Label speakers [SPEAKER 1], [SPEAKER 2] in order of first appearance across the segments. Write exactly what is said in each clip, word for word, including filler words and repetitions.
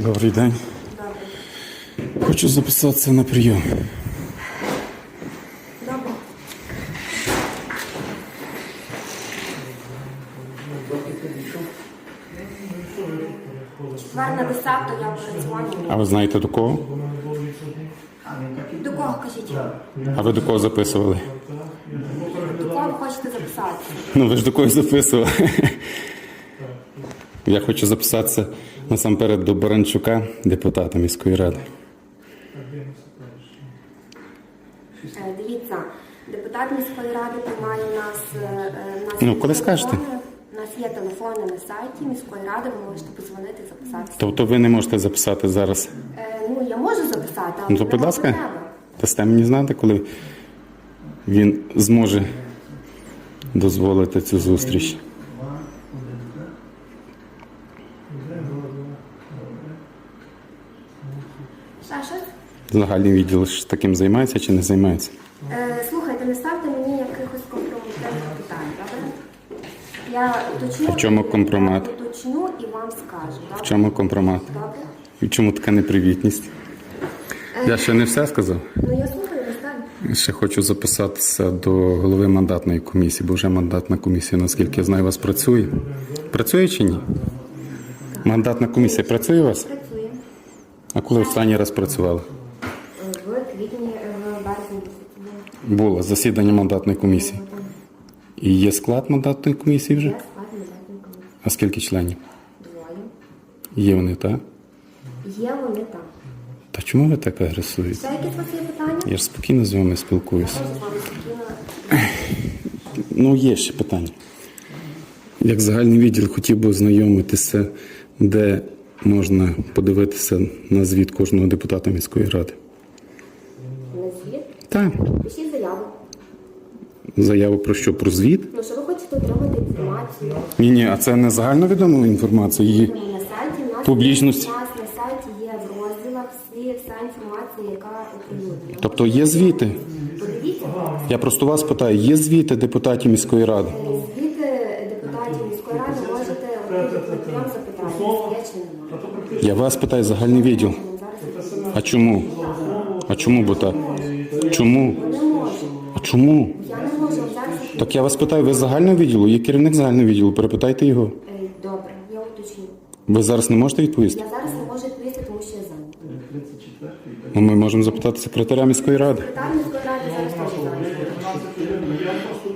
[SPEAKER 1] Добрий день.
[SPEAKER 2] Добре.
[SPEAKER 1] Хочу записатися на прийом.
[SPEAKER 2] Добре. Четвер на десяту я передзвоню.
[SPEAKER 1] А ви знаєте до кого?
[SPEAKER 2] До кого кажіть?
[SPEAKER 1] А ви до кого записували?
[SPEAKER 2] До кого ви хочете записатися?
[SPEAKER 1] Ну ви ж до когось записували. Я хочу записатися насамперед до Баранчука, депутата міської ради.
[SPEAKER 2] Е, Дивіться, депутат міської ради приймає у нас, е, е, нас
[SPEAKER 1] Ну,
[SPEAKER 2] є
[SPEAKER 1] коли
[SPEAKER 2] телефони,
[SPEAKER 1] скажете.
[SPEAKER 2] У нас є телефони на сайті міської ради, ви можете подзвонити, записатися.
[SPEAKER 1] Тобто ви не можете записати зараз?
[SPEAKER 2] Е, ну, я можу записати, але
[SPEAKER 1] Ну то,
[SPEAKER 2] не
[SPEAKER 1] будь ласка,
[SPEAKER 2] треба.
[SPEAKER 1] дасте мені знати, коли він зможе дозволити цю зустріч.
[SPEAKER 2] Ще щось?
[SPEAKER 1] Загальний відділ ж таким займається чи не займається?
[SPEAKER 2] Е, слухайте, не ставте мені якихось компрометних питань, добре? Я уточню,
[SPEAKER 1] А в чому компромат?
[SPEAKER 2] я уточню і вам скажу, добре?
[SPEAKER 1] В чому компромат?
[SPEAKER 2] Добре?
[SPEAKER 1] І в чому така непривітність? Я ще не все сказав.
[SPEAKER 2] Ну, я слухаю, достатньо.
[SPEAKER 1] Ще хочу записатися до голови мандатної комісії, бо вже мандатна комісія, наскільки я знаю, у вас працює. Працює чи ні? Мандатна комісія працює у вас?
[SPEAKER 2] Працює.
[SPEAKER 1] А коли останній раз працювала?
[SPEAKER 2] В квітні, в березні місяці.
[SPEAKER 1] Було засідання мандатної комісії. І є склад мандатної комісії вже?
[SPEAKER 2] Я склад мандатної комісії.
[SPEAKER 1] А скільки членів?
[SPEAKER 2] Двоє.
[SPEAKER 1] Є вони, так?
[SPEAKER 2] Є вони там.
[SPEAKER 1] Та чому ви так агресуєте?
[SPEAKER 2] Ще якісь у вас є питання?
[SPEAKER 1] Я ж спокійно з вами спілкуюся.
[SPEAKER 2] Я теж з вами спокійно.
[SPEAKER 1] Ну, є ще питання. Як загальний відділ хотів би ознайомитися, де можна подивитися на звіт кожного депутата міської ради.
[SPEAKER 2] На звіт?
[SPEAKER 1] Так.
[SPEAKER 2] Пишіть заяву.
[SPEAKER 1] Заяву про що? Про звіт?
[SPEAKER 2] Ну, що ви хочете отримати інформацію?
[SPEAKER 1] Ні, ні, а це не загальновідома інформація. Її
[SPEAKER 2] На сайті у нас,
[SPEAKER 1] Публічність.
[SPEAKER 2] у нас на сайті є в розділах всі, вся інформація, яка оприлюднена.
[SPEAKER 1] Тобто є звіти.
[SPEAKER 2] Подивіться,
[SPEAKER 1] Я просто вас питаю, є звіти депутатів міської ради?
[SPEAKER 2] звіти депутатів міської ради можете отримати вам запитання, є чи немає.
[SPEAKER 1] Я вас питаю, загальний відділ. А чому? А чому бо так? Чому?
[SPEAKER 2] Не можу.
[SPEAKER 1] А чому?
[SPEAKER 2] Я не можу зараз.
[SPEAKER 1] Так я вас питаю, ви з загального відділу? Є керівник загального відділу, перепитайте його.
[SPEAKER 2] Е, Добре, я уточню.
[SPEAKER 1] Ви зараз не можете відповісти?
[SPEAKER 2] Я зараз не можу відповісти, тому що я зайнята.
[SPEAKER 1] Ну, ми можемо запитати секретаря міської ради.
[SPEAKER 2] Секретар міської ради зараз теж зайнятий.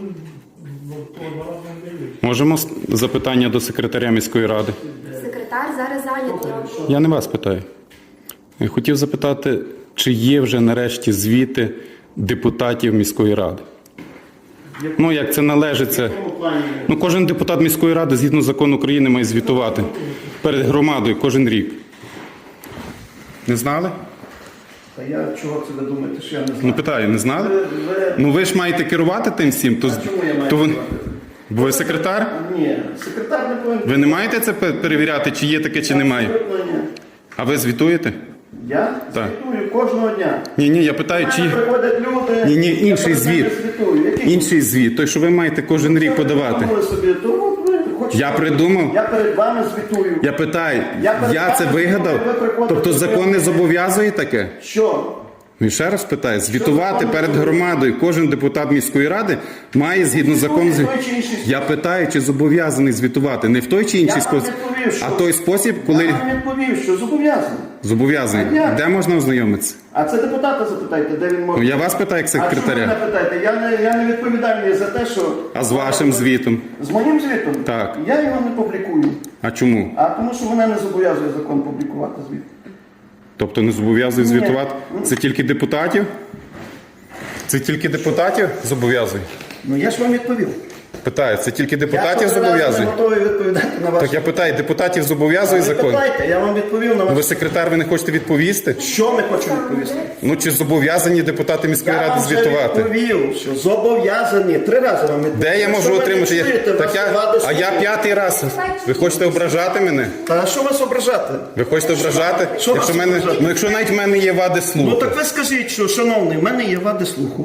[SPEAKER 1] Можемо с- запитання до секретаря міської ради?
[SPEAKER 2] Секретар зараз зайнятий.
[SPEAKER 1] Я не вас питаю. Я хотів запитати, чи є вже нарешті звіти депутатів міської ради? Ну, як це належиться. Ну, кожен депутат міської ради, згідно закону України, має звітувати перед громадою кожен рік. Не знали?
[SPEAKER 3] Та я чого це ви думаєте, що я не знаю?
[SPEAKER 1] Ну, питаю, не знали?
[SPEAKER 3] Ви, ви...
[SPEAKER 1] Ну, ви ж маєте керувати тим всім, то,
[SPEAKER 3] А чому я маю
[SPEAKER 1] то ви...
[SPEAKER 3] керувати?
[SPEAKER 1] Бо ви секретар?
[SPEAKER 3] Ні, секретар не повинен.
[SPEAKER 1] Ви не маєте це пе- перевіряти, чи є таке, чи немає?
[SPEAKER 3] Абсолютно ні.
[SPEAKER 1] А ви звітуєте?
[SPEAKER 3] Я
[SPEAKER 1] Так.
[SPEAKER 3] звітую кожного дня.
[SPEAKER 1] Ні, ні, я питаю,
[SPEAKER 3] До
[SPEAKER 1] чи
[SPEAKER 3] мене приходять люди.
[SPEAKER 1] Ні, ні,
[SPEAKER 3] я
[SPEAKER 1] інший
[SPEAKER 3] перед ними
[SPEAKER 1] звіт.
[SPEAKER 3] звітую. Який?
[SPEAKER 1] інший звіт, той, що ви маєте кожен рік
[SPEAKER 3] Ви
[SPEAKER 1] подавати.
[SPEAKER 3] придумали собі, то от ви хочете-
[SPEAKER 1] Я придумав?
[SPEAKER 3] Я перед вами звітую.
[SPEAKER 1] Я питаю,
[SPEAKER 3] Я перед
[SPEAKER 1] я це
[SPEAKER 3] вами
[SPEAKER 1] вигадав?
[SPEAKER 3] ви приходите,
[SPEAKER 1] Тобто
[SPEAKER 3] ви
[SPEAKER 1] закон не
[SPEAKER 3] приходите.
[SPEAKER 1] зобов'язує таке?
[SPEAKER 3] Що?
[SPEAKER 1] Ну і ще раз питаю, звітувати
[SPEAKER 3] закон
[SPEAKER 1] перед
[SPEAKER 3] зобов'язує?
[SPEAKER 1] громадою кожен депутат міської ради має згідно закону.
[SPEAKER 3] в той чи інший спосіб.
[SPEAKER 1] Я питаю, чи зобов'язаний звітувати не в той чи інший
[SPEAKER 3] Я вам
[SPEAKER 1] спосіб,
[SPEAKER 3] відповів, що-
[SPEAKER 1] а той спосіб, коли
[SPEAKER 3] Я вам відповів, що зобов'язаний.
[SPEAKER 1] зобов'язаний.
[SPEAKER 3] А як?
[SPEAKER 1] Де можна ознайомитися?
[SPEAKER 3] А це депутата запитайте, де він може.
[SPEAKER 1] Ну, я вас питаю як
[SPEAKER 3] А чому
[SPEAKER 1] секретаря.
[SPEAKER 3] мене питаєте? Я не, я не відповідальний за те, що...
[SPEAKER 1] А з вашим звітом?
[SPEAKER 3] З моїм звітом?
[SPEAKER 1] Так.
[SPEAKER 3] Я його не публікую.
[SPEAKER 1] А чому?
[SPEAKER 3] А тому що мене не зобов'язує закон публікувати звіт.
[SPEAKER 1] Тобто не зобов'язує
[SPEAKER 3] Ні.
[SPEAKER 1] звітувати? Це тільки депутатів? Це тільки депутатів зобов'язує?
[SPEAKER 3] Ну я ж вам відповів.
[SPEAKER 1] Питаю, це тільки депутатів
[SPEAKER 3] Я щоразу
[SPEAKER 1] зобов'язує?
[SPEAKER 3] не готовий відповідати на ваші.
[SPEAKER 1] Так я питаю, депутатів зобов'язує
[SPEAKER 3] Ви
[SPEAKER 1] закон?
[SPEAKER 3] питайте, я вам відповів на
[SPEAKER 1] Ви
[SPEAKER 3] ваші.
[SPEAKER 1] секретар, ви не хочете відповісти?
[SPEAKER 3] Що ми хочемо відповісти?
[SPEAKER 1] Ну чи зобов'язані депутати міської
[SPEAKER 3] Я
[SPEAKER 1] ради
[SPEAKER 3] вам вже
[SPEAKER 1] звітувати?
[SPEAKER 3] відповів, що зобов'язані. Три рази вам відповів.
[SPEAKER 1] Де я можу
[SPEAKER 3] Що ви не
[SPEAKER 1] отримати? Я-
[SPEAKER 3] чуєте,
[SPEAKER 1] Так
[SPEAKER 3] вас
[SPEAKER 1] я,
[SPEAKER 3] влади
[SPEAKER 1] а я
[SPEAKER 3] слухає.
[SPEAKER 1] п'ятий раз. Ви хочете ображати мене?
[SPEAKER 3] Та що вас ображати?
[SPEAKER 1] Ви хочете ображати?
[SPEAKER 3] Що
[SPEAKER 1] Якщо
[SPEAKER 3] вас
[SPEAKER 1] мене,
[SPEAKER 3] ображати?
[SPEAKER 1] ну якщо навіть в мене є вади
[SPEAKER 3] Ну
[SPEAKER 1] слуху.
[SPEAKER 3] так ви скажіть, що, шановний, в мене є вади слуху.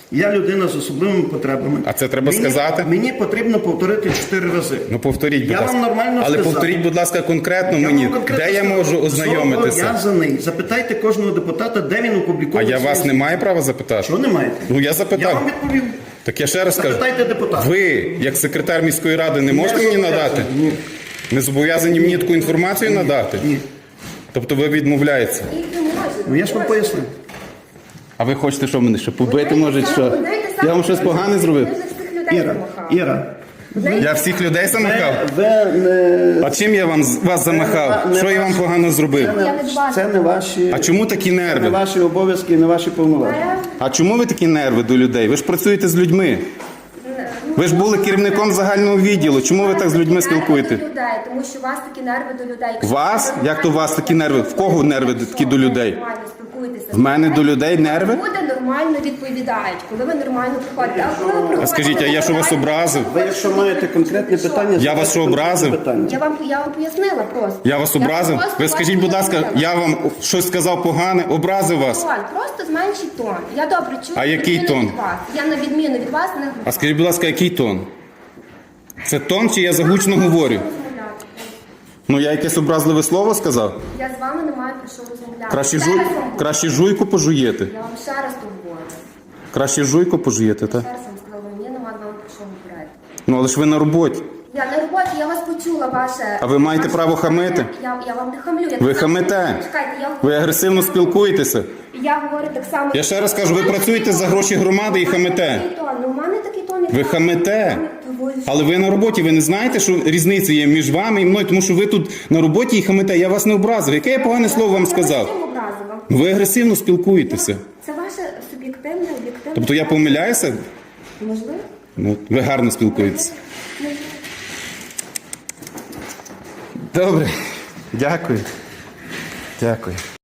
[SPEAKER 3] Я людина з особливими потребами.
[SPEAKER 1] А це треба
[SPEAKER 3] мені,
[SPEAKER 1] сказати?
[SPEAKER 3] Мені потрібно повторити чотири рази.
[SPEAKER 1] Ну повторіть, будь
[SPEAKER 3] Я
[SPEAKER 1] ласка.
[SPEAKER 3] вам нормально
[SPEAKER 1] Але
[SPEAKER 3] сказав.
[SPEAKER 1] повторіть, будь ласка, конкретно
[SPEAKER 3] Я
[SPEAKER 1] мені,
[SPEAKER 3] вам конкретно
[SPEAKER 1] де я
[SPEAKER 3] сказав,
[SPEAKER 1] можу ознайомитися.
[SPEAKER 3] Зобов'язаний. Запитайте кожного депутата, де він
[SPEAKER 1] А
[SPEAKER 3] опубліковує.
[SPEAKER 1] я вас
[SPEAKER 3] свої-
[SPEAKER 1] не маю права запитати?
[SPEAKER 3] Що не маєте?
[SPEAKER 1] Ну я
[SPEAKER 3] Я
[SPEAKER 1] запитав.
[SPEAKER 3] вам відповів.
[SPEAKER 1] Так я ще раз кажу.
[SPEAKER 3] Запитайте депутата.
[SPEAKER 1] Ви, як секретар міської ради, не можете
[SPEAKER 3] Не
[SPEAKER 1] мені
[SPEAKER 3] зобов'язаний.
[SPEAKER 1] надати?
[SPEAKER 3] Ні.
[SPEAKER 1] Не зобов'язані мені таку інформацію надати?
[SPEAKER 3] Ні.
[SPEAKER 1] Тобто ви відмовляєтеся?
[SPEAKER 2] Їх не можна.
[SPEAKER 3] Ну я ж вам пояснив.
[SPEAKER 1] А ви хочете, що мене ще побити,
[SPEAKER 2] Ви
[SPEAKER 1] може,
[SPEAKER 2] знаєте,
[SPEAKER 1] що?
[SPEAKER 2] ви знаєте, саме
[SPEAKER 1] Я вам щось погане зробив?
[SPEAKER 2] Ви ж всіх людей
[SPEAKER 3] Іра,
[SPEAKER 2] замахали.
[SPEAKER 3] Іра,
[SPEAKER 1] Я всіх людей замахав?
[SPEAKER 3] ви не...
[SPEAKER 1] А чим я вам вас замахав?
[SPEAKER 3] не
[SPEAKER 1] Що я вам погано зробив?
[SPEAKER 2] Я не бачу.
[SPEAKER 3] Це не ваші,
[SPEAKER 1] А чому такі
[SPEAKER 3] це не
[SPEAKER 1] нерви?
[SPEAKER 3] ваші обов'язки і не ваші повноваження.
[SPEAKER 1] А чому ви такі нерви до людей? Ви ж працюєте з людьми. Ви ж були керівником загального відділу. Чому ви так з людьми спілкуєтесь?
[SPEAKER 2] До людей, тому що у вас такі нерви до людей. Якщо
[SPEAKER 1] Вас?
[SPEAKER 2] ви
[SPEAKER 1] Як то у вас такі нерви? В кого нерви
[SPEAKER 2] Якщо
[SPEAKER 1] такі до
[SPEAKER 2] ви
[SPEAKER 1] людей?
[SPEAKER 2] нормально спілкуєтеся з
[SPEAKER 1] В мене
[SPEAKER 2] людьми,
[SPEAKER 1] до людей нерви?
[SPEAKER 2] Люди нормально відповідають, коли ви нормально приходите. А коли ви приходите,
[SPEAKER 1] А скажіть, а я що вас образив?
[SPEAKER 3] Ви якщо маєте конкретне питання,
[SPEAKER 1] Я вас що,
[SPEAKER 3] задайте
[SPEAKER 1] образив?
[SPEAKER 3] питання.
[SPEAKER 2] Я вам, я вам пояснила просто.
[SPEAKER 1] Я вас образив?
[SPEAKER 2] просто
[SPEAKER 1] Ви
[SPEAKER 2] вам
[SPEAKER 1] скажіть, будь ласка,
[SPEAKER 2] пояснила.
[SPEAKER 1] я вам щось сказав погане, образив вас.
[SPEAKER 2] Тон, просто зменшіть тон. Я добре чую.
[SPEAKER 1] А який
[SPEAKER 2] на відміну
[SPEAKER 1] тон?
[SPEAKER 2] від вас. Я на відміну від вас не
[SPEAKER 1] А скажіть, будь ласка, який тон? Це тон чи я загучно говорю? Ну я якесь образливе слово сказав?
[SPEAKER 2] Я з вами не маю про що розмовляти.
[SPEAKER 1] Краще,
[SPEAKER 2] Ще
[SPEAKER 1] жуй...
[SPEAKER 2] раз вам говорю.
[SPEAKER 1] Краще жуйку пожуєте.
[SPEAKER 2] Я вам ще раз тут говорю.
[SPEAKER 1] Краще жуйку пожуєте, так?
[SPEAKER 2] Ще раз вам сказала, мені нема з вами про що говорити.
[SPEAKER 1] Ну але ж ви на роботі.
[SPEAKER 2] Я на роботі, я вас почула, ваше...
[SPEAKER 1] А ви маєте
[SPEAKER 2] ваше-
[SPEAKER 1] право хамити?
[SPEAKER 2] Я, я вам не хамлю. Я
[SPEAKER 1] Ви
[SPEAKER 2] так само-
[SPEAKER 1] хамите.
[SPEAKER 2] Чекайте, я...
[SPEAKER 1] Ви агресивно спілкуєтеся.
[SPEAKER 2] Я говорю так само...
[SPEAKER 1] Я ще раз кажу, ви працюєте за гроші громади і хамите.
[SPEAKER 2] Такий тон. Ну, у мене такий тон, як
[SPEAKER 1] Ви
[SPEAKER 2] вас.
[SPEAKER 1] хамите.
[SPEAKER 2] Ви-
[SPEAKER 1] Але ви на роботі, ви не знаєте, що різниця є між вами і мною, тому що ви тут на роботі і хамите. Я вас не образив. Яке я погане слово вам
[SPEAKER 2] Я вас
[SPEAKER 1] сказав?
[SPEAKER 2] всім образила.
[SPEAKER 1] Ви агресивно спілкуєтеся.
[SPEAKER 2] Це ваше суб'єктивне, об'єктивне...
[SPEAKER 1] Тобто я помиляюся?
[SPEAKER 2] Можливо?
[SPEAKER 1] Ну, ви гарно спілкуєтеся.
[SPEAKER 2] Можливо.
[SPEAKER 1] Добре. Дякую. Дякую.